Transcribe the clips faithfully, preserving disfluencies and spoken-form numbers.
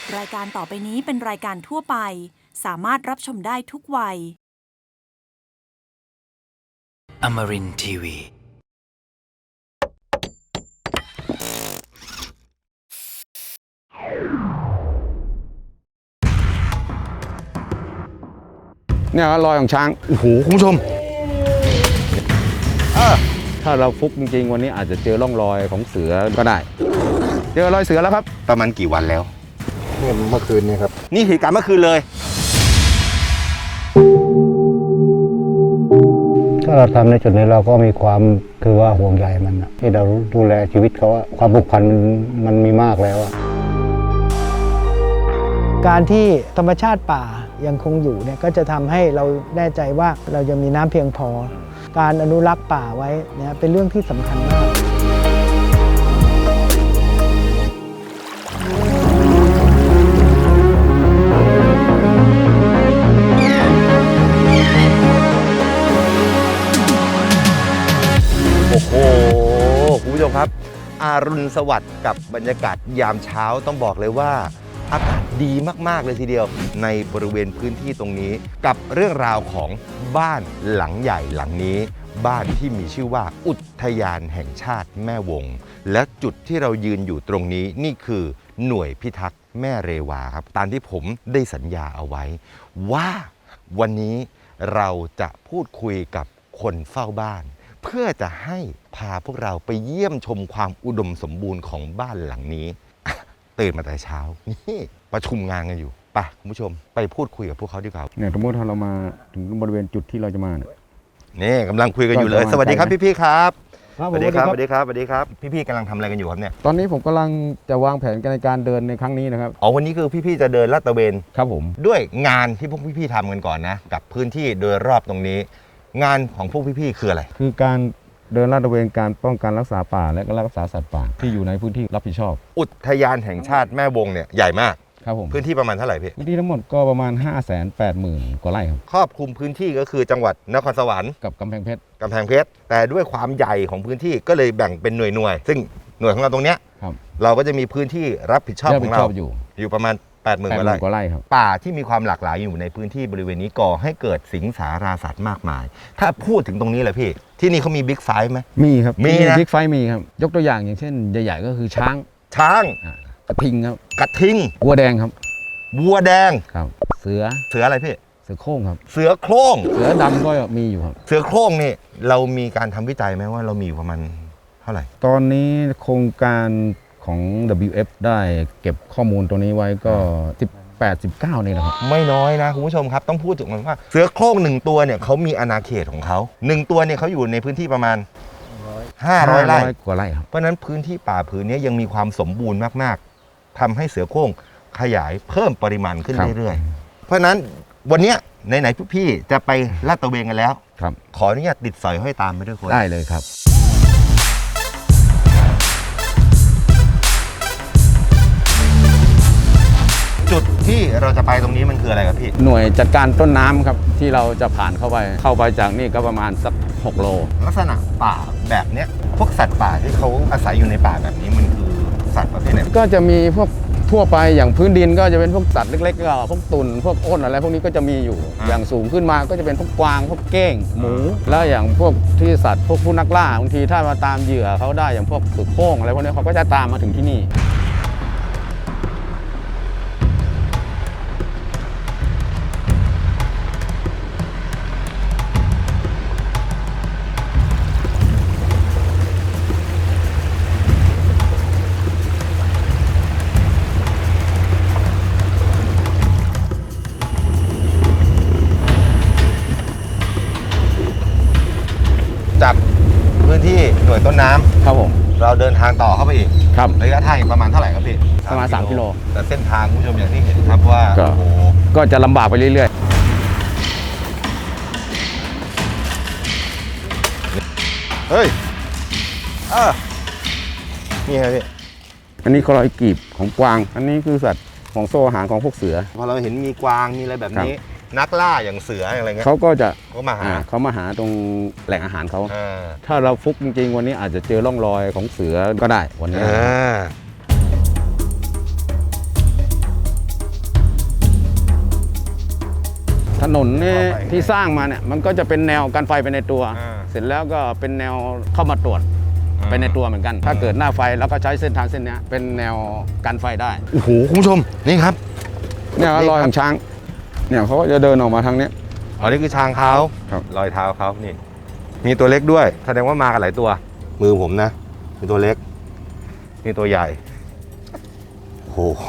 รายการต่อไปนี้เป็นรายการทั่วไปสามารถรับชมได้ทุกวัย Amarin ที วีเนี่ยรอยของช้างโอ้โหคุณผู้ชมถ้าเราฟุกจริงๆวันนี้อาจจะเจอร่องรอยของเสือก็ได้ เจอรอยเสือแล้วครับประมาณกี่วันแล้วเนี่ยเมื่อคืนนี้ครับนี่เหตุการณ์เมื่อคืนเลยถ้าเราทำในจุดนี้เราก็มีความคือว่าห่วงใยมันนะที่เราดูแลชีวิตเขาอะความผูกพันมันมันมีมากแล้วอะการที่ธรรมชาติป่ายังคงอยู่เนี่ยก็จะทำให้เราแน่ใจว่าเรายังมีน้ำเพียงพอ การอนุรักษ์ป่าไว้เนี่ยเป็นเรื่องที่สำคัญมากโอ้โหคุณผู้ชมครับอารุณสวัสดิ์กับบรรยากาศยามเช้าต้องบอกเลยว่าอากาศดีมากๆเลยทีเดียวในบริเวณพื้นที่ตรงนี้กับเรื่องราวของบ้านหลังใหญ่หลังนี้บ้านที่มีชื่อว่าอุทยานแห่งชาติแม่วงและจุดที่เรายืนอยู่ตรงนี้นี่คือหน่วยพิทักษ์แม่เรวาครับตามที่ผมได้สัญญาเอาไว้ว่าวันนี้เราจะพูดคุยกับคนเฝ้าบ้านเพื่อจะให้พาพวกเราไปเยี่ยมชมความอุดมสมบูรณ์ของบ้านหลังนี้ ตื่นมาแต่เช้านี่ประชุมงานกันอยู่ไปคุณผู้ชมไปพูดคุยกับพวกเขาดีกว่าเนี่ยสมมติถ้าเรามาถึงบริเวณจุดที่เราจะมาเนี่ยนี่กำลังคุยกันอยู่เลยก็จะสวัสดีครับวางใจพี่ๆครับครับสวัสดีครับสวัสดีครับสวัสดีครับพี่ๆกำลังทำอะไรกันอยู่ครับเนี่ยตอนนี้ผมกำลังจะวางแผนในการเดินในครั้งนี้นะครับอ๋อวันนี้คือพี่ๆจะเดินลาดตระเวนครับผมด้วยงานที่พวกพี่ๆทำกันก่อนนะกับพื้นที่โดยรอบตรงนี้ งานของพวกพี่ๆคืออะไรคือการเดินลาดตระเวนการป้องกันรักษาป่าและก็รักษาสัตว์ป่าที่อยู่ในพื้นที่รับผิดชอบอุทยานแห่งชาติแม่วงเนี่ยใหญ่มากครับผมพื้นที่ประมาณเท่าไหร่พี่พื้นที่ทั้งหมดก็ประมาณ ห้าแสนแปดหมื่น กว่าไร่ครับครอบคลุมพื้นที่ก็คือจังหวัดนครสวรรค์กับกำแพงเพชรกำแพงเพชรแต่ด้วยความใหญ่ของพื้นที่ก็เลยแบ่งเป็นหน่วยหน่วยๆซึ่งหน่วยของเราตรงเนี้ยครับเราก็จะมีพื้นที่รับผิดชอบรับขผิอดงชเราอบอยู่อยู่ประมาณ แปดหมื่นแปดกหว่ามื่นกว่าไร่ไร่ครับป่าที่มีความหลากหลายอยู่ในพื้นที่บริเวณนี้ก่อให้เกิดสิงสาราสัตว์มากมาย ถ้าพูดถึงตรงนี้เลยพี่ที่นี่เขามีบิ๊กไฟว์ไหมมีครับมีนะบิ๊กไฟมีครับยกตัวอย่างอย่างเช่นใหญ่ๆก็คือช้างช้างอ่ากระทิงครับกระทิงวัวแดงครับวัวแดงครับ เสือเสืออะไรพี่เสือโคร่งครับเสือโคร่งเสือดำก็มีอยู่ครับเสือโคร่งนี่เรามีการทำวิจัยไหมว่าเรามีอยู่ประมาณเท่าไหร่ตอนนี้โครงการของ ดับเบิลยู เอฟ ได้เก็บข้อมูลตัวนี้ไว้ก็สิบแปด สิบเก้านี่แหละครับไม่น้อยนะคุณผู้ชมครับต้องพูดถึงมันว่าเสือโคร่งหนึ่งตัวเนี่ยเขามีอาณาเขตของเขาหนึ่งตัวเนี่ยเขาอยู่ในพื้นที่ประมาณห้าร้อยไร่กว่าไร่ครับเพราะฉะนั้นพื้นที่ป่าผืนนี้ยังมีความสมบูรณ์มากๆทำให้เสือโคร่งขยายเพิ่มปริมาณขึ้นครับเรื่อยๆเพราะฉะนั้นวันเนี้ยไหนๆพี่ๆจะไปลาดตระเวนกันแล้วครับขออนุญาตติดสอยห้อยตามไปด้วยคนได้เลยครับจุดที่เราจะไปตรงนี้มันคืออะไรครับพี่หน่วยจัดการต้นน้ำครับที่เราจะผ่านเข้าไป เข้าไปจากนี่ก็ประมาณสักหกโลลักษณะป่าแบบเนี้ยพวกสัตว์ป่าที่เขาอาศัยอยู่ในป่าแบบนี้มันคือสัตว์ประเภทไหนก็จะมีพวกทั่วไปอย่างพื้นดินก็จะเป็นพวกสัตว์เล็กๆก็พวกตุ่นพวกอ้นอะไรพวกนี้ก็จะมีอยู่ อย่างสูงขึ้นมาก็จะเป็นพวกกวางพวกเก้งหมู แล้วอย่างพวกที่สัตว์พวกผู้นักล่าบางทีถ้ามาตามเหยื่อเขาได้อย่างพวกสุโค้งอะไรพวกนี้เขาก็จะตามมาถึงที่นี่จากพื้นที่หน่วยต้นน้ำครับผมเราเดินทางต่อเข้าไปอีกครับระยะทางอีกประมาณเท่าไหร่ครับพี่ประมาณสามกิโลแต่เส้นทางคุณผู้ชมอย่างที่เห็นครับว่าก็โอ้โหก็จะลำบากไปเรื่อยเฮ้ยเออนี่ครับพี่ๆ อันนี้ก็รอยกรีบของกวาง อันนี้คือสัตว์ของโซ่อาหารของพวกเสือพอเราเห็นมีกวางมีอะไรแบบนี้ นักล่าอย่างเสืออะไรเงี้ยเขาก็จะก็มาหาอ่าเขามาหาตรงแหล่งอาหารเขาอ่าถ้าเราฟุกจริงๆวันนี้อาจจะเจอร่องรอยของเสือก็ได้วันนี้อ่านนนี่ที่สร้างมาเนี่ยมันก็จะเป็นแนวกันไฟไปในตัวอ่าเสร็จแล้วก็เป็นแนวเข้ามาตรวจอ่าไปในตัวเหมือนกัน ถ้าเกิดหน้าไฟแล้วก็ใช้เส้นทางเส้นเนี้ยเป็นแนวกันไฟได้โอ้โหคุณผู้ชมนี่ครับเนี่ยนี่ครับรอยของช้างเนี่ยเขาก็จะเดินออกมาทางนี้อ๋อนี่คือช้างเขาครับรอยเท้าเขานี่ มีตัวเล็กด้วย แสดงว่ามากันหลายตัว มือผมนะ มีตัวเล็ก มีตัวใหญ่ โอ้โห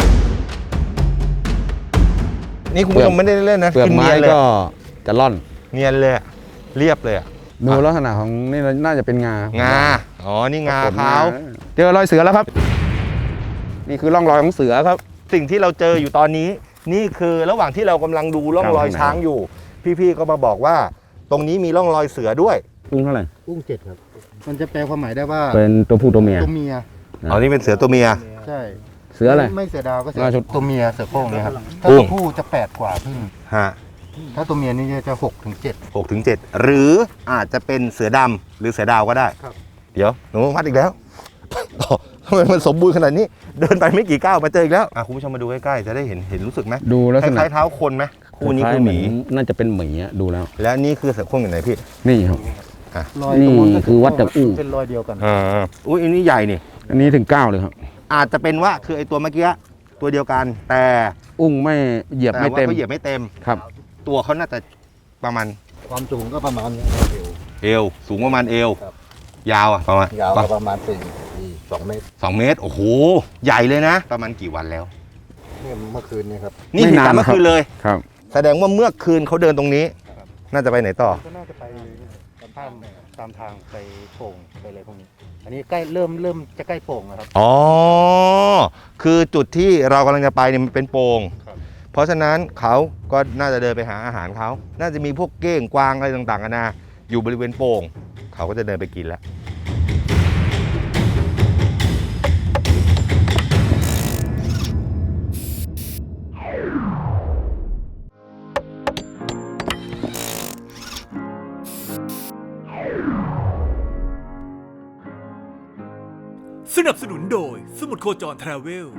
นี่คุณผู้ชมไม่ได้เล่นนะเปลือกคือไม้เนียนเลยก็จะล่อนเนียนเลยอะเรียบเลยอะดูลักษณะของนี่น่าจะเป็นงางา อ๋อ นี่งาขนเขาเจอรอยเสือแล้วครับ นี่คือร่องรอยของเสือครับสิ่งที่เราเจออยู่ตอนนี้ นี่คือระหว่างที่เรากำลังดูร่องรอยครับช้างอยู่ พี่ๆก็มาบอกว่า ตรงนี้มีร่องรอยเสือด้วยอุ้งเท่าไหร่กุ้งเจ็ดครับ มันจะแปลความหมายได้ว่าเป็นตัวผู้ตัวเมียตัวเมียอ๋อ นี่เป็นเสือตัวเมียใช่เสืออะไรไม่เสือดาวก็เสืราชอตัวเมียเสือโคร่งเนี่ยครับ ถ้ากุ้ตัวงผู้จะแปดกว่าพึ่งฮะถ้าตัวเมียนี่จะหกถึงเจ็ดหกถึงเจ็ดหรืออาจจะเป็นเสือดำหรือเสือดาวก็ได้ครับเดี๋ยวหนูวัดอีกแล้ว อ๋อทำไมมันสมบูรณ์ขนาดนี้ เดินไปไม่กี่ก้าวมาเจออีกแล้วอ่ะคุณผู้ชมมาดูใกล้ๆจะได้เห็นเห็นรู้สึกไหมดูลักคษณะล้ายๆเท้าคนไหมคู่นี้คือหมีน่าจะเป็นหมีอะดูแล้วและนี่คือเสือโคร่งอยู่ไหนพี่นี่ครับรอยนี่ตรงก็คือวัดจากอู้เป็นรอยเดียวกันอ่าอุ้ยอันนี้ใหญ่นี่อันนี้ถึงเก้าเลยครับอาจจะเป็นว่าคือไอตัวเมื่อกี้ตัวเดียวกัน แต่อุ้งไม่เหยียบแต่ไม่ว่าเต็มเขาเหยียบไม่เต็มครับตัวเขาน่าจะประมาณความสูงก็ประมาณนี้เอวเอวสูงประมาณเอวครับยาวอ่ะประมาณยาวก็ประมาณสี่สองเมตรสองเมตรโอ้โหใหญ่เลยนะ ประมาณกี่วันแล้วเนี่ยเมื่อคืนนี้ครับนี่ไม่เหตุนานการณ์เมื่อครับคืนเลยครับแสดงว่าเมื่อคืนเขาเดินตรงนี้ น่าจะไปไหนต่อก็น่าจะไปตามตามทางไปโป่งไปอะไรพวกนี้ อันนี้ใกล้เริ่มเริ่มจะใกล้โป่งแล้วครับอ๋อ คือจุดที่เรากำลังจะไปเนี่ยมันเป็นโป่งครับเพราะฉะนั้นเขาก็น่าจะเดินไปหาอาหารเขา น่าจะมีพวกเก้งกวางอะไรต่างๆกันานาอยู่บริเวณโป่ง เขาก็จะเดินไปกินแล้วสนับสนุนโดยสมุดโคจรทราเวล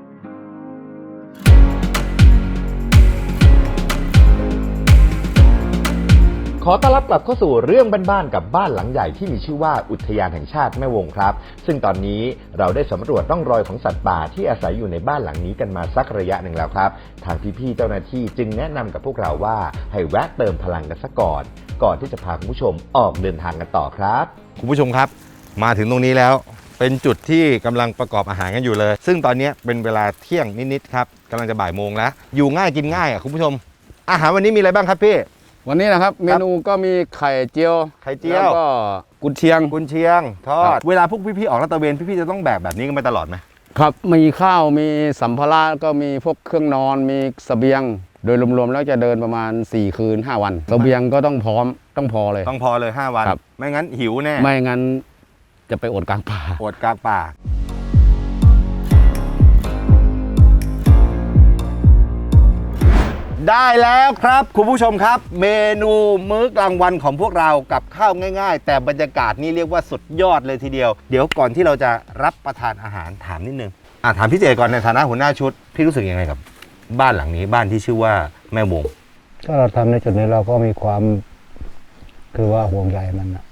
ขอต้อนรับกลับเข้าสู่เรื่องบ้านๆกับบ้านหลังใหญ่ที่มีชื่อว่าอุทยานแห่งชาติแม่วงครับซึ่งตอนนี้เราได้สำรวจร่องรอยของสัตว์ป่าที่อาศัยอยู่ในบ้านหลังนี้กันมาสักระยะหนึ่งแล้วครับทางพี่ๆเจ้าหน้าที่จึงแนะนำกับพวกเราว่าให้แวะเติมพลังกันซะก่อนก่อนที่จะพาคุณผู้ชมออกเดินทางกันต่อครับคุณผู้ชมครับ มาถึงตรงนี้แล้ว เป็นจุดที่กำลังประกอบอาหารกันอยู่เลย ซึ่งตอนนี้เป็นเวลาเที่ยงนิดๆครับกำลังจะบ่ายโมงแล้ว อยู่ง่ายกินง่ายอ่ะคุณผู้ชม อาหารวันนี้มีอะไรบ้างครับพี่วันนี้นะครับเมนูก็มีไข่เจียวไข่เจียวแล้วก็กุนเชียงกุนเชียงทอครัดบเวลาพวกพี่ๆออกลาดตระเวนพี่ๆจะต้องแบกแบบนี้กันไปตลอดไหมครับมีข้าวมีสัมภาระก็มีพวกเครื่องนอนมีเสบียง โดยรวมๆแล้วจะเดินประมาณสี่คืนห้าวันเสบียงก็ต้องพร้อมต้องพอเลยต้องพอเลยห้าวันครับไม่งั้นหิวแน่ไม่งั้นจะไปอดกลางป่าอดกลางป่า ได้แล้วครับคุณผู้ชมครับ เมนูมื้อกลางวันของพวกเรากับข้าวง่ายๆ แต่บรรยากาศนี่เรียกว่าสุดยอดเลยทีเดียว เดี๋ยวก่อนที่เราจะรับประทานอาหารถามนิดนึงอ่ะถามพี่เจก่อนในฐานะหัวหน้าชุดพี่รู้สึกยังไงกับ บ้านหลังนี้บ้านที่ชื่อว่าแม่วงถ้าเราทำในจุดนี้เราก็มีความคือว่าห่วงใยมันนะ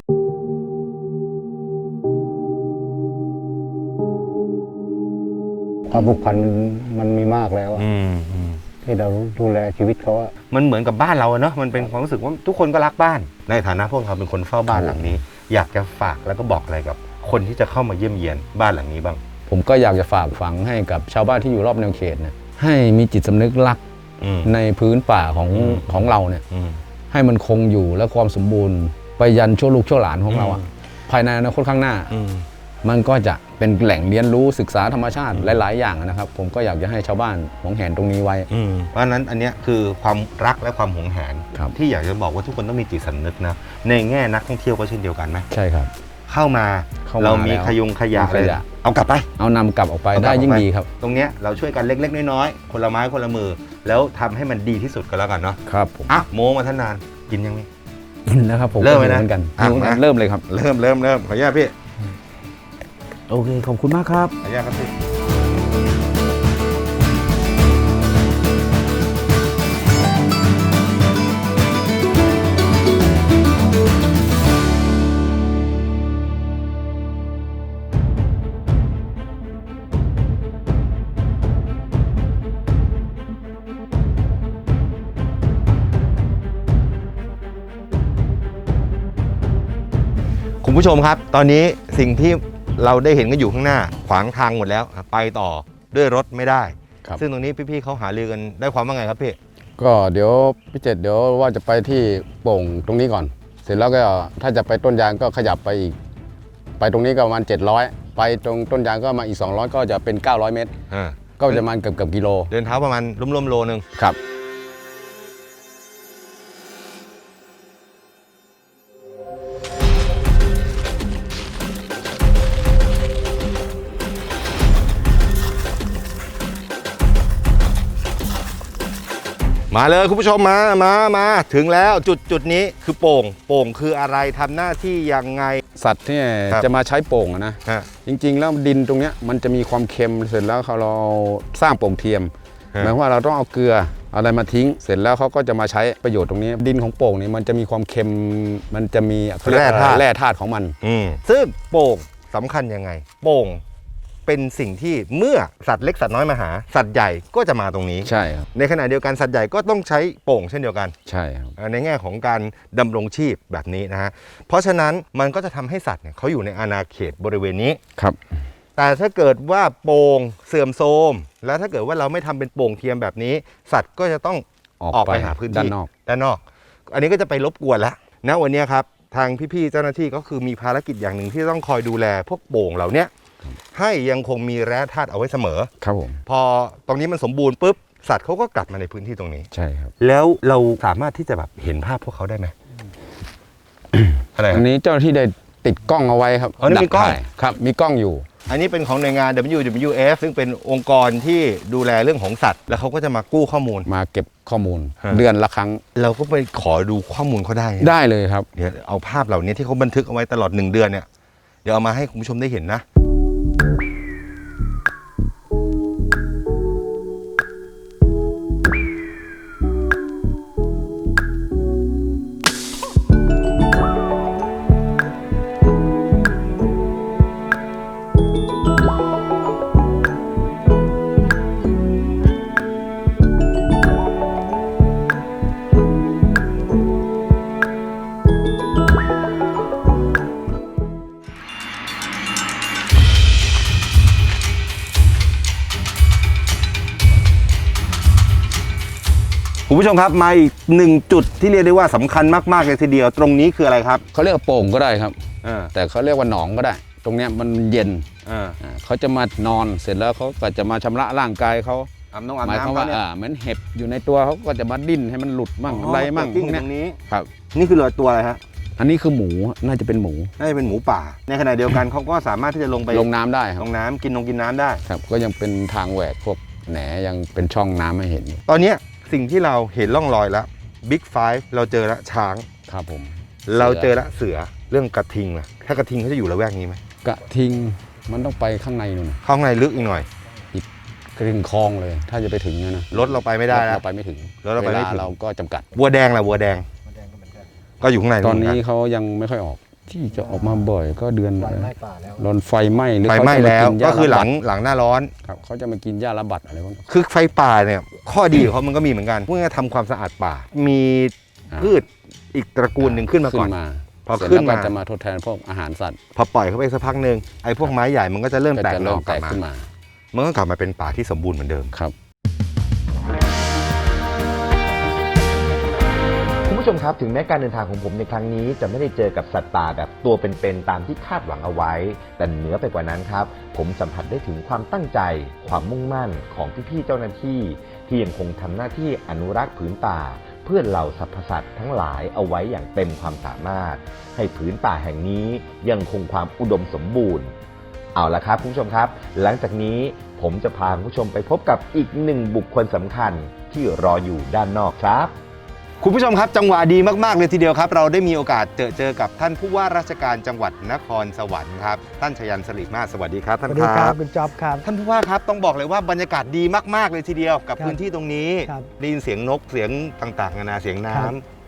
ความผูกพันมันมันมีมากแล้วอะอืมอืมที่เราดูแลชีวิตเขาอะมันเหมือนกับบ้านเราอะเนาะมันเป็นความรู้สึกว่าทุกคนก็รักบ้าน ในฐานะพวกเราเป็นคนเฝ้าบ้านหลังนี้ อยากจะฝากแล้วก็บอกอะไรกับ คนที่จะเข้ามาเยี่ยมเยียนบ้านหลังนี้บ้างผมก็อยากจะฝากฝังให้กับชาวบ้านที่อยู่รอบแนวเขตนะให้มีจิตสำนึกรักอืมในพื้นป่าของอืมของเราเนี่ยอืมให้มันคงอยู่และความสมบูรณ์ไปยันชั่วลูกชั่วหลานของเราอะอืมภายในอนาคตข้างหน้าอืมมันก็จะเป็นแหล่งเรียนรู้ศึกษาธรรมชาติหลาย ๆ อย่างนะครับ ผมก็อยากจะให้ชาวบ้านหวงแหนตรงนี้ไว้อืมเพราะฉะนั้นอันเนี้ยคือความรักและความหวงแหนครับที่อยากจะบอกว่าทุกคนต้องมีจิตสำนึกนะในแง่นักท่องเที่ยวก็เช่นเดียวกันไหมใช่ครับเข้ามาเข้ามาเรามีแล้วขยงขยะมีขยะเลยเอากลับไปเอานำกลับออกไปเอากลับได้ยิ่งออกไปดีครับตรงเนี้ยเราช่วยกันเล็กๆน้อยๆคนละไม้คนละมือ แล้วทำให้มันดีที่สุดก็แล้วกันเนาะครับผมอ่ะโมมาท่านนานกินยังไงกินนะครับผมเริ่มไหมนะเหมือนกันอ่ะหิวเหมือนกันมาเริ่มเลยครับเริ่มเริ่มเริ่มขออนุญาตพี่โอเคขอบคุณมากครับขออนุญาตครับพี่ผู้ชมครับตอนนี้สิ่งที่เราได้เห็นกันอยู่ข้างหน้าขวางทางหมดแล้วไปต่อด้วยรถไม่ได้ซึ่งตรงนี้พี่ๆเขาหารือกันได้ความว่าไงครับพี่ก็เดี๋ยวพี่เจตเดี๋ยวว่าจะไปที่โป่งตรงนี้ก่อนเสร็จแล้วก็ถ้าจะไปต้นยางก็ขยับไปอีกไปตรงนี้ก็ประมาณเจ็ดร้อยไปตรงต้นยางก็มาอีกสองร้อยก็จะเป็นเก้าร้อยเมตรก็จะประมาณเกือบเกือบกิโลเดินเท้าประมาณร่วมๆโลนึงครับมาเลยคุณผู้ชมมามามาถึงแล้วจุดจุดนี้คือโป่งโป่งคืออะไรทำหน้าที่ยังไงสัตว์ที่จะมาใช้โป่งนะจริงๆแล้วดินตรงนี้มันจะมีความเค็มเสร็จแล้วเราสร้างโป่งเทียมหมายความว่าเราต้องเอาเกลืออะไรมาทิ้งเสร็จแล้วเขาก็จะมาใช้ประโยชน์ตรงนี้ดินของโป่งนี่มันจะมีความเค็มมันจะมีแร่ธาตุแร่ธาตุของมันซึ่งโป่งสำคัญยังไงโป่งเป็นสิ่งที่เมื่อสัตว์เล็กสัตว์น้อยมาหาสัตว์ใหญ่ก็จะมาตรงนี้ใช่ครับในขณะเดียวกันสัตว์ใหญ่ก็ต้องใช้โป่งเช่นเดียวกันใช่ครับในแง่ของการดำรงชีพแบบนี้นะฮะเพราะฉะนั้นมันก็จะทำให้สัตว์เนี่ยเขาอยู่ในอาณาเขตบริเวณนี้ครับแต่ถ้าเกิดว่าโป่งเสื่อมโทรมแล้วถ้าเกิดว่าเราไม่ทำเป็นโป่งเทียมแบบนี้สัตว์ก็จะต้องออกไปหาพื้นที่ด้านนอกด้านนอกอันนี้ก็จะไปรบกวนแล้วนะวันนี้ครับทางพี่ๆเจ้าหน้าที่ก็คือมีภารกิจอย่างหนึ่งที่ต้องคอยดูแลพวกโป่งเหล่านี้ให้ยังคงมีแร่ธาตุเอาไว้เสมอครับผมพอตรงนี้มันสมบูรณ์ปุ๊บสัตว์เขาก็กลับมาในพื้นที่ตรงนี้ใช่ครับแล้วเราสามารถที่จะแบบเห็นภาพพวกเขาได้ไหมอะไรอันนี้เจ้าหน้าที่ได้ติดกล้องเอาไว้ครับอ๋อนี่มีกล้องครับมีกล้องอยู่อันนี้เป็นของหน่วยงาน ดับเบิลยู ดับเบิลยู เอฟ ซึ่งเป็นองค์กรที่ดูแลเรื่องของสัตว์แล้วเขาก็จะมากู้ข้อมูลมาเก็บข้อมูลเดือนละครั้งเราก็ไปขอดูข้อมูลเขาได้ได้เลยครับเดี๋ยวเอาภาพเหล่านี้ที่เขาบันทึกเอาไว้ตลอดหนึ่งเดือนเนี่ยเดี๋ยวเอามาให้คุณผู้ชมได้เห็นนะคุณผู้ชมครับมาอีกหนึ่งจุดที่เรียกได้ว่าสำคัญมากๆเลยทีเดียวตรงนี้คืออะไรครับเขาเรียกโป่งก็ได้ครับแต่เขาเรียกว่าหนองก็ได้ตรงนี้มันเย็นเขาจะมานอนเสร็จแล้วเขาก็จะมาชำระร่างกายเขาหมายความว่าเหมือนเห็บอยู่ในตัวเขาก็จะมาดิ้นให้มันหลุดมั่งอะไรมั่งพวกนี้ครับนี่คือตัวอะไรฮะอันนี้คือหมูน่าจะเป็นหมูน่าจะเป็นหมูป่าในขณะเดียวกันเขาก็สามารถที่จะลงไปลงน้ำได้ลงน้ำกินนงกินน้ำได้ครับก็ยังเป็นทางแหวกพวกแหนยังเป็นช่องน้ำให้เห็นตอนนี้สิ่งที่เราเห็นร่องรอยแล้วบิ๊กไฟว์เราเจอละช้างครับผมเราเจอละเสือเรื่องกระทิงนะถ้ากระทิงเขาจะอยู่ละแวกนี้ไหมกระทิงมันต้องไปข้างในนู่นข้างในลึกอีกหน่อยอีกกระทิงคลองเลยถ้าจะไปถึงนะรถเราไปไม่ได้แล้วเราไปไม่ถึงรถเราไปไม่ถึงเราก็จำกัดวัวแดงล่ะวัวแดงก็อยู่ข้างในตอนนี้เขายังไม่ค่อยออกที่จะออกมาบ่อยก็เดือนโดนไฟไหม้หรือไฟไหม้แล้วก็คือหลังหลังหน้าร้อนครับเขาจะมากินหญ้าระบัดอะไรพวกนี้คือไฟป่าเนี่ยข้อดีของเขามันก็มีเหมือนกันเมื่อทำความสะอาดป่ามีพืชอีกตระกูลหนึ่งขึ้นมาก่อนพอขึ้นมาจะมาทดแทนพวกอาหารสัตว์พอปล่อยเขาไปสักพักหนึ่งไอ้พวกไม้ใหญ่มันก็จะเริ่มแตกเริ่มแตกขึ้นมามันก็กลับมาเป็นป่าที่สมบูรณ์เหมือนเดิมครับคุณผู้ชมครับถึงแม้การเดินทางของผมในครั้งนี้จะไม่ได้เจอกับสัตว์ป่าแบบตัวเป็นๆตามที่คาดหวังเอาไว้แต่เหนือไปกว่านั้นครับผมสัมผัสได้ถึงความตั้งใจความมุ่งมั่นของพี่ๆเจ้าหน้าที่ที่ยังคงทำหน้าที่อนุรักษ์ผืนป่าเพื่อเหล่าสรรพสัตว์ทั้งหลายเอาไว้อย่างเต็มความสามารถให้ผืนป่าแห่งนี้ยังคงความอุดมสมบูรณ์เอาละครับคุณผู้ชมครับหลังจากนี้ผมจะพาคุณผู้ชมไปพบกับอีกหนึ่งบุคคลสำคัญที่รออยู่ด้านนอกครับคุณผู้ชมครับจังหวะดีมากๆเลยทีเดียวครับเราได้มีโอกาสเจอเจอกับท่านผู้ว่าราชการจังหวัดนครสวรรค์ครับท่านชยันต์ สริมาศสวัสดีครับท่านครับสวัสดีครับคุณจ๊อบครับท่านผู้ว่าครับต้องบอกเลยว่าบรรยากาศดีมากๆเลยทีเดียวกับพื้นที่ตรงนี้ได้ยินเสียงนกเสียงต่างๆนานาเสียงน้ำ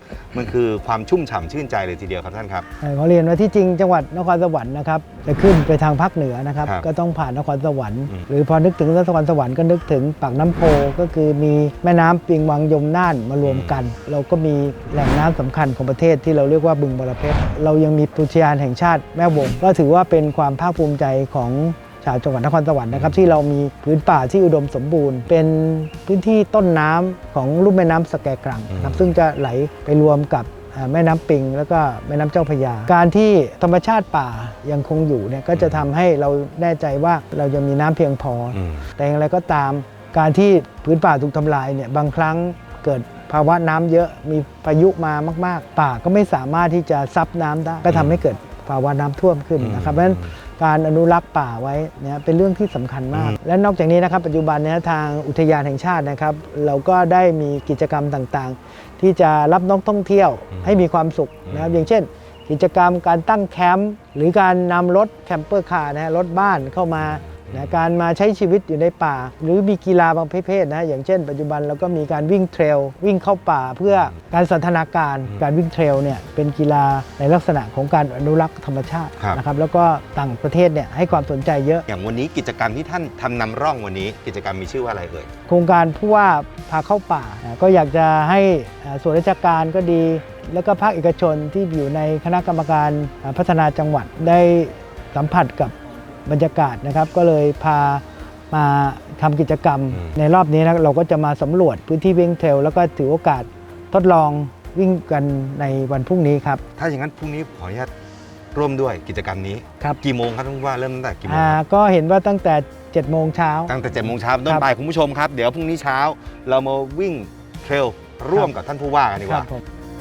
มันคือความชุ่มฉ่ำชื่นใจเลยทีเดียวครับท่านครับเอ่อขอเรียนว่าที่จริงจังหวัดนครสวรรค์นะครับจะขึ้นไปทางภาคเหนือนะครับครับก็ต้องผ่านนครสวรรค์อืมหรือพอนึกถึงนครสวรรค์ก็นึกถึงปากน้ำโพก็คือมีแม่น้ำปิงวังยมน่านมารวมกัน เราก็มีแหล่งน้ำสำคัญของประเทศที่เราเรียกว่าบึงบรเพชรเรายังมีอุทยานแห่งชาติแม่วงก็ถือว่าเป็นความภาคภูมิใจของชาวจังหวัดนครสวรรค์นะครับที่เรามีพื้นป่าที่อุดมสมบูรณ์ เป็นพื้นที่ต้นน้ำของลุ่มแม่น้ำสแกกรังนะครับซึ่งจะไหลไปรวมกับอ่าแม่น้ำปิงแล้วก็แม่น้ำเจ้าพระยา การที่ธรรมชาติป่ายังคงอยู่เนี่ยก็จะทำให้เราแน่ใจว่าเรายังมีน้ำเพียงพออมแต่อย่างไรก็ตามการที่พื้นป่าถูกทำลายเนี่ยบางครั้งเกิดภาวะน้ำเยอะมีพายุมามากๆ ป่าก็ไม่สามารถที่จะซับน้ำได้ก็ทำให้เกิดภาวะน้ำท่วมขึ้นนะครับเพราะฉะนั้นการอนุรักษ์ป่าไว้เนี่ยเป็นเรื่องที่สำคัญมาก และนอกจากนี้นะครับปัจจุบันเนี้ทางอุทยานแห่งชาตินะครับเราก็ได้มีกิจกรรมต่างๆ ที่จะรับนักท่องเที่ยวให้มีความสุขนะครับอย่างเช่น กิจกรรมการตั้งแคมป์หรือการนำรถแคมเปอร์คาร์นะฮะรถบ้านเข้ามานะการมาใช้ชีวิตอยู่ในป่า หรือมีกีฬาบางประเภทนะอย่างเช่น ปัจจุบันเราก็มีการวิ่งเทรลวิ่งเข้าป่าเพื่อการสันทนาการการวิ่งเทรลเนี่ยเป็นกีฬาในลักษณะของการอนุรักษ์ธรรมชาติครับนะครับแล้วก็ต่างประเทศเนี่ยให้ความสนใจเยอะอย่างวันนี้กิจกรรมที่ท่านทำนำร่องวันนี้กิจกรรมมีชื่อว่าอะไรเอ่ยโครงการผู้ว่าพาเข้าป่าอ่าก็อยากจะให้อ่าส่วนราชการก็ดี แล้วก็ภาคเอกชนที่อยู่ในคณะกรรมการอ่าพัฒนาจังหวัดได้สัมผัสกับบรรยากาศนะครับ ก็เลยพามาทำกิจกรรมอืมในรอบนี้นะเราก็จะมาสำรวจพื้นที่วิ่งเทรลแล้วก็ถือโอกาสทดลองวิ่งกันในวันพรุ่งนี้ครับถ้าอย่างนั้นพรุ่งนี้ขออนุญาตร่วมด้วยกิจกรรมนี้ครับกี่โมงครับท่านผู้ว่าเริ่มตั้งแต่กี่โมงอ่าก็เห็นว่าตั้งแต่เจ็ดโมงเช้าตั้งแต่เจ็ดโมงเช้าเป็นต้นไปคุณผู้ชมครับเดี๋ยวพรุ่งนี้เช้าเรามาวิ่งเทรลร่วมกับท่านผู้ว่ากันดีกว่าผม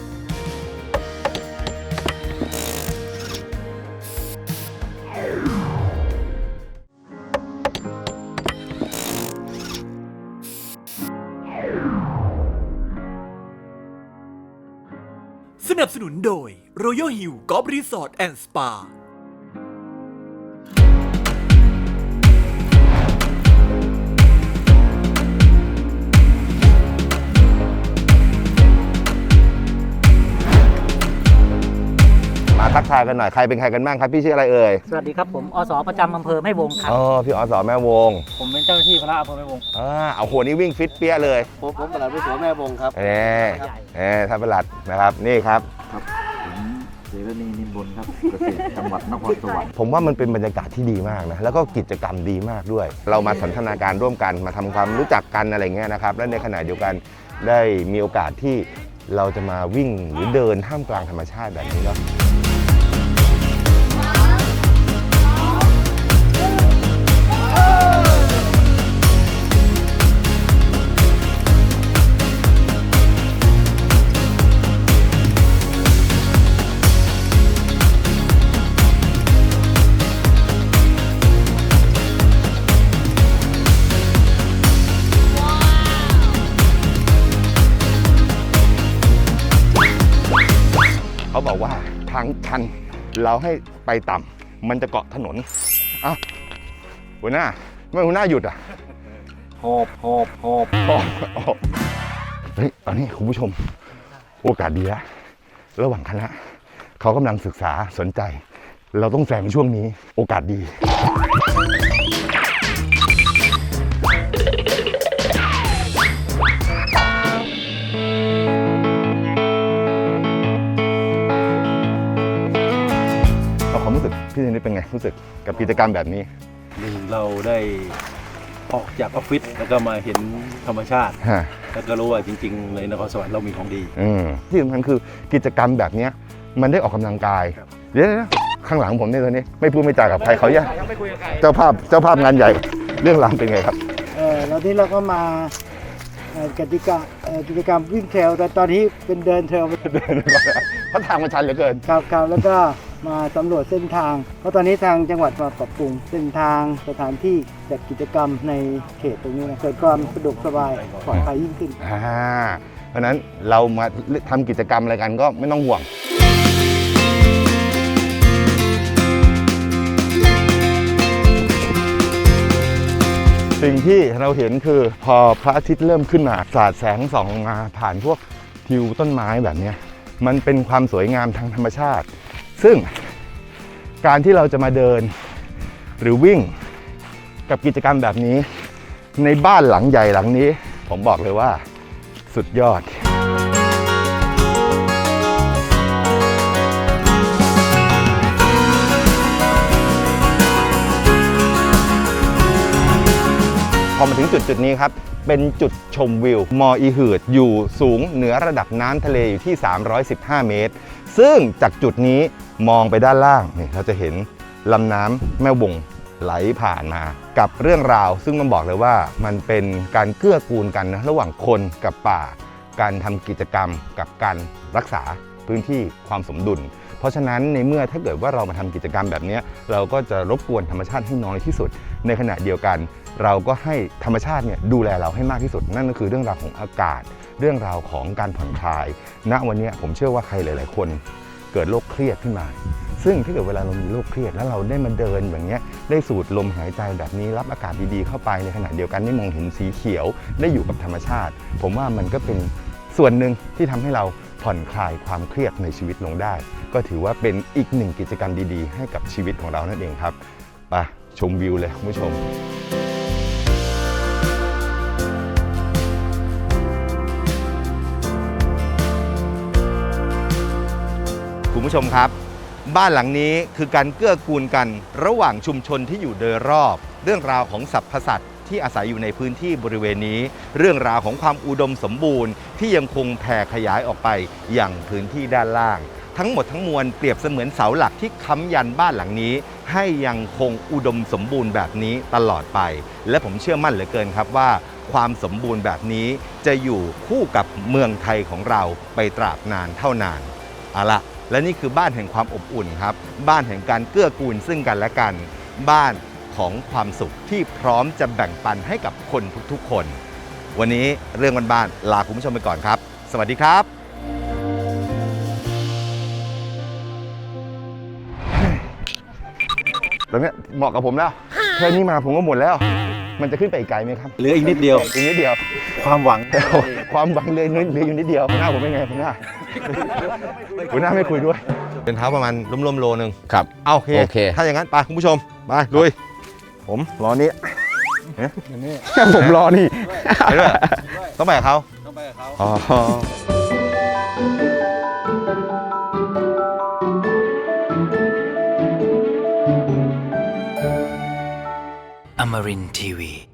สนับสนุนโดย Royal Hill Golf Resort and Spa มาทักทายกันหน่อยใครเป็นใครกันบ้างครับพี่ชื่ออะไรเอ่ยสวัสดีครับผมอสประจำอำเภอแม่วงครับอ๋อพี่อสแม่วงผมเป็นเจ้าหน้าที่พระอำเภอแม่วงอ่าเอาหัวนี้วิ่งฟิตเปี้ยเลยผมผมประหลัดวิศวแม่วงครับเอ่เอ่ท่านประหลัดนะครับนี่ครับเสรณีนิมบุญครับเกษตรจังหวัดนครสวรรค์ผมว่ามันเป็นบรรยากาศที่ดีมากนะแล้วก็กิจกรรมดีมากด้วย เรามาสันทนาการร่วมกันมาทำความรู้จักกันอะไรเงี้ยนะครับและในขณะเดียวกันได้มีโอกาสที่เราจะมาวิ่งหรือเดินท่ามกลางธรรมชาติแบบนี้เนาะเขาบอกว่าทางชันเราให้ไปต่ำมันจะเกาะถนนอ้าวหัวหน้าไม่หัวหน้าหยุดอ่ะหอบหอบหอบอ๋ออ๋อเฮ้ยตอนนี้คุณผู้ชมโอกาสดีแล้วระหว่างคณะเขากำลังศึกษาสนใจ เราต้องแซงช่วงนี้โอกาสดีความรู้สึกพี่เจนนี่เป็นไงรู้สึกกับกิจกรรมแบบนี้หนึ่งเราได้ออกจากออฟฟิศแล้วก็มาเห็นธรรมชาติฮะแล้วก็รู้ว่าจริงๆในนครสวรรค์เรามีของดีอืมที่สำคัญคือกิจกรรมแบบเนี้ยมันได้ออกกำลังกายครับเดี๋ยวนะข้างหลังผมเนี่ยตอนนี้ไม่พูดไม่จากับใครเขาแย่เจ้าภาพเจ้าภาพงานใหญ่เรื่องราวเป็นไงครับเออแล้วนี้เราก็มาเอ่อกติกาเอ่อกิจกรรมวิ่งเทรลแต่ตอนนี้เป็นเดินเทรลเดินก่อนนะเพราะทางมันชันเหลือเกินครับครับแล้วก็มาสำรวจเส้นทาง เพราะตอนนี้ทางจังหวัดมาปรับปรุงเส้นทางสถานที่จัดกิจกรรมในเขตตรงนี้นะเกิดความสะดวกสบายปลอดภัยยิ่งขึ้นอ่าเพราะฉะนั้นเรามาทำกิจกรรมอะไรกันก็ไม่ต้องห่วงสิ่งที่เราเห็นคือพอพระอาทิตย์เริ่มขึ้นมาสาดแสงส่องลงมาผ่านพวกทิวต้นไม้แบบเนี้ยมันเป็นความสวยงามทางธรรมชาติ ซึ่งการที่เราจะมาเดินหรือวิ่งกับกิจกรรมแบบนี้ในบ้านหลังใหญ่หลังนี้ผมบอกเลยว่าสุดยอดพอมาถึงจุดจุดนี้ครับเป็นจุดชมวิวมออีหืดอยู่สูงเหนือระดับน้ำทะเลอยู่ที่สามร้อยสิบห้าเมตรซึ่งจากจุดนี้มองไปด้านล่างนี่เราจะเห็นลำน้ำแม่วงไหลผ่านมากับเรื่องราวซึ่งมันบอกเลยว่ามันเป็นการเกื้อกูลกันนะระหว่างคนกับป่าการทำกิจกรรมกับการรักษาพื้นที่ความสมดุลเพราะฉะนั้นในเมื่อถ้าเกิดว่าเรามาทำกิจกรรมแบบนี้เราก็จะรบกวนธรรมชาติให้น้อยที่สุดในขณะเดียวกันเราก็ให้ธรรมชาติเนี่ยดูแลเราให้มากที่สุดนั่นก็คือเรื่องราวของอากาศเรื่องราวของการผ่อนคลายณวันนี้ผมเชื่อว่าใครหลายๆคนเกิดโรคเครียดขึ้นมาซึ่งถ้าเกิดเวลาเรามีโรคเครียดแล้วเราได้มาเดินแบบนี้ได้สูดลมหายใจแบบนี้รับอากาศดีๆเข้าไปในขณะเดียวกันได้มองเห็นสีเขียวได้อยู่กับธรรมชาติผมว่ามันก็เป็นส่วนหนึ่งที่ทำให้เราผ่อนคลายความเครียดในชีวิตลงได้ก็ถือว่าเป็นอีกหนึ่งกิจกรรมดีๆให้กับชีวิตของเรานั่นเองครับไปชมวิวเลยคุณผู้ชมคุณผู้ชมครับบ้านหลังนี้คือการเกื้อกูลกันระหว่างชุมชนที่อยู่โดยรอบเรื่องราวของสรรพสัตว์ที่อาศัยอยู่ในพื้นที่บริเวณนี้เรื่องราวของความอุดมสมบูรณ์ที่ยังคงแผ่ขยายออกไปอย่างพื้นที่ด้านล่างทั้งหมดทั้งมวลเปรียบเสมือนเสาหลักที่ค้ำยันบ้านหลังนี้ให้ยังคงอุดมสมบูรณ์แบบนี้ตลอดไปและผมเชื่อมั่นเหลือเกินครับว่าความสมบูรณ์แบบนี้จะอยู่คู่กับเมืองไทยของเราไปตราบนานเท่านานเอาละและนี่คือบ้านแห่งความอบอุ่นครับบ้านแห่งการเกื้อกูลซึ่งกันและกันบ้านของความสุขที่พร้อมจะแบ่งปันให้กับคนทุกๆคนวันนี้เรื่องบ้านๆลาคุณผู้ชมไปก่อนครับสวัสดีครับตอนนี้เหมาะกับผมแล้วแค่นี้มาผมก็หมดแล้วมันจะขึ้นไปอีกไกลไหมครับเหลืออีกนิดเดียวอีกนิดเดียวความหวังความหวังเลยเหลืออยู่นิดเดียวหน้าผมเป็นไงผมหน้าหัวหน้าไม่คุยด้วยเป็นเท้าประมาณร่วมๆโลนึงครับโอเคโอเคถ้าอย่างนั้นไปคุณผู้ชมไปลุยผมรอนี้ผมรอนี่ต้องไปกับเขาต้องไปกับเขาอ๋อ Amarin ที วี